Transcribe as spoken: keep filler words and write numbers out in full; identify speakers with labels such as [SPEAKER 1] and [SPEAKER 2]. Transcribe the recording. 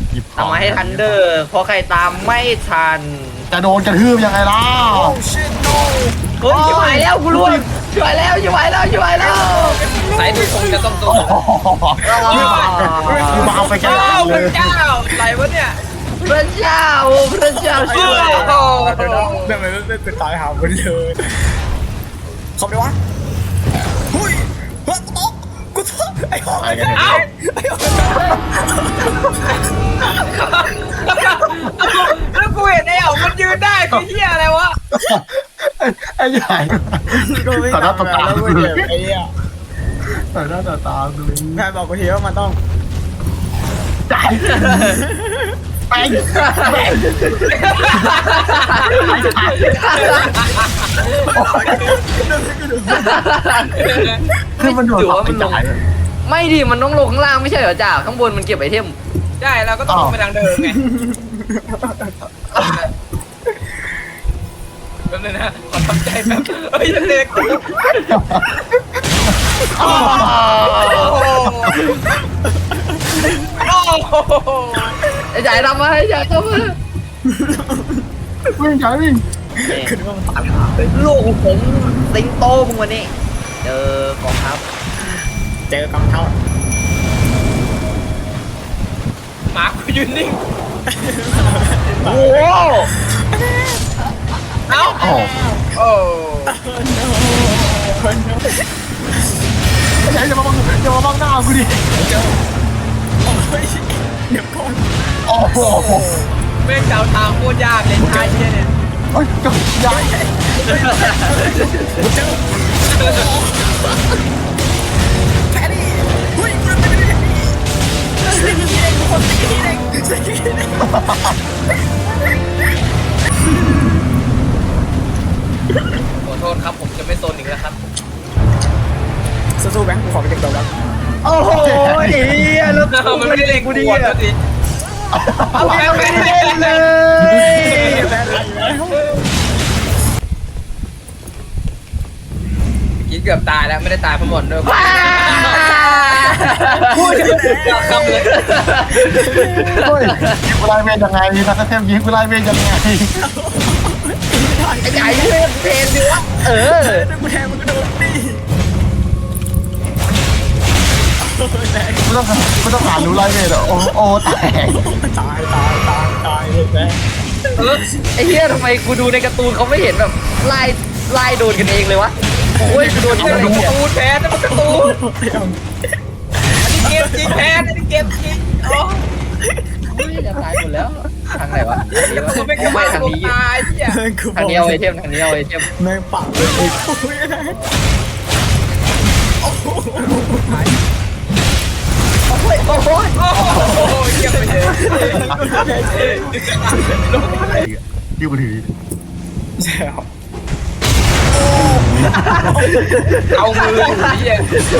[SPEAKER 1] ทำมาให้ทันเดอร์เพราะใครตามไม่ทัน
[SPEAKER 2] จะโดนกระทืบยังไงล่ะ
[SPEAKER 1] เฮ้ยชิบหายแล้วกูรู้ชิบหายแล้วชิบหายแล้วชิบหายแล้ว
[SPEAKER 3] สายดูคงจะต้องโดน
[SPEAKER 2] คือมาเอาไปแค่
[SPEAKER 3] เจ้า
[SPEAKER 2] เล
[SPEAKER 3] พระ
[SPEAKER 2] ย
[SPEAKER 3] เจ้าอะไรวะเนี่ย
[SPEAKER 1] พระเจ้าพระเจ้าช่วย
[SPEAKER 3] โอ้
[SPEAKER 4] เดี๋ยวนะเดี๋ยวมันเป็นตายหาคนเลยเขาไปวะหุ้ยเฮ้ยตกกูตกไอ้หอก
[SPEAKER 2] ไปกันเถ
[SPEAKER 3] เอ้า
[SPEAKER 2] อะ
[SPEAKER 4] ไอ้หอก
[SPEAKER 3] แล้วกูเห็นไอ้เอ๋มันยืนได้คือเหี้ยอะไรวะ
[SPEAKER 2] ไอ้ใหญ่
[SPEAKER 4] ก็ไม่
[SPEAKER 2] ต่อหน้าต่อตา
[SPEAKER 4] แล้ว
[SPEAKER 2] กู
[SPEAKER 4] กู
[SPEAKER 2] เล
[SPEAKER 4] เจ็
[SPEAKER 2] ย
[SPEAKER 4] บไอ้เหี้ย
[SPEAKER 2] ต่อหน้าต่อตากูเลย
[SPEAKER 4] แม่บอกกูทีว่ามันต้อง
[SPEAKER 2] จ่ายไปคือมันโดนไปจ่าย
[SPEAKER 1] ไม่ดิมันต้องลงข้างล่างไม่ใช่เหรอจ่าข้างบนมันเก็บไอเทม
[SPEAKER 3] ใช่เราก็ต้องลงไปทางเดิมไงแป๊บนึงนะขอทำใจแป๊บเฮ้ยเด็กกูโอ้โหโอ้โห
[SPEAKER 1] ไอ้จ่ายทำมาไอ้จ่ายทำมา
[SPEAKER 2] วิ่งจ่ายวิ่ง
[SPEAKER 4] คือว่ามันตายหาเลย
[SPEAKER 1] ลูกผมสิงโตมึงวันนี้เจอกองทัพ
[SPEAKER 4] เจอกำเท่า
[SPEAKER 3] หมากูยืนนิ่ง
[SPEAKER 1] โอ้โห
[SPEAKER 3] เอ้า
[SPEAKER 2] โอ้
[SPEAKER 3] โอ้
[SPEAKER 2] ยอย่ามาบังอย่ามาบังหน้ากูดิ
[SPEAKER 4] เจอโอ้ยเดี๋ยวก่อน
[SPEAKER 2] โอ้โห
[SPEAKER 3] แม่งเจ้าทางโคตรยากเลยชายเนี่ยเนี่ย
[SPEAKER 2] เฮ้ยจะย้าย
[SPEAKER 4] เจอแพดดี้หุ้ยกูเป็นแพดดี้สิ่งที่เองทุกคนสิ่งที่เองสิ่งที่เอง
[SPEAKER 3] ขอโทษครับผมจะไม่โซนอีกแล้วครับ
[SPEAKER 4] สู้ๆแบงค์กูขอไปเก็บตัวแล้ว
[SPEAKER 1] โอ้โหเฮียแล้ว
[SPEAKER 3] มันไม่ได้เล่น
[SPEAKER 1] กู
[SPEAKER 3] กู
[SPEAKER 1] ดี
[SPEAKER 3] ดี
[SPEAKER 1] อ่ะ
[SPEAKER 3] อ่ะสิ
[SPEAKER 1] เอาแม่งไม่ได้เล่นเลย
[SPEAKER 4] แบงค์อะไรแล้ว
[SPEAKER 3] ยิงเกือบตายแล้วไม่ได้ตายเพราะหมดด้วย
[SPEAKER 1] ว้า
[SPEAKER 3] พูดเกือบคำเลย
[SPEAKER 2] เฮ้ยยิงกูไล่เวรยังไงนักเทพยิงกูไล่เวรยังไง
[SPEAKER 1] ไอ้ใหญ่เล่นเพลงดิวะเออ
[SPEAKER 4] กูแทงมันก็โดนนี่
[SPEAKER 2] กูต้องกูต้องหารู้ไล่เวรอ่ะโอ้โอ้แตก
[SPEAKER 4] ตายตายตายตายเลยแบงค์
[SPEAKER 1] เออไอ้เหี้ยทำไมกูดูในการ์ตูนเขาไม่เห็นแบบไล่ไล่โดนกันเองเลยวะโอ้ยกูโดน
[SPEAKER 3] เก
[SPEAKER 1] เหี้ยอะไร
[SPEAKER 3] ม
[SPEAKER 1] เนี่ย
[SPEAKER 3] ตูนแพ้นั่นมันการ์ตูนอันนี้เกมจริงแพ้อันนี้เกมจริงโอ้
[SPEAKER 1] เฮ้ยจะตายหมดแล้วทางไหนวะทางนี้วะ
[SPEAKER 3] กูไม่ก
[SPEAKER 1] ไม่
[SPEAKER 3] ล้า
[SPEAKER 1] ทาง
[SPEAKER 3] ลง
[SPEAKER 1] นี้
[SPEAKER 3] ตายเหี้ย
[SPEAKER 1] ทางนี้เอาไอเทมทางนี้เอาไอเทม
[SPEAKER 4] แม่งปักเลยโอ้ยแบงค์โอ้โห
[SPEAKER 1] โอ้ยโอ้ย
[SPEAKER 3] โอ้โหเยี่ยมไปเลย
[SPEAKER 2] ดิวมาถือ
[SPEAKER 4] ใช่ครับ
[SPEAKER 3] เอามือเหี้ย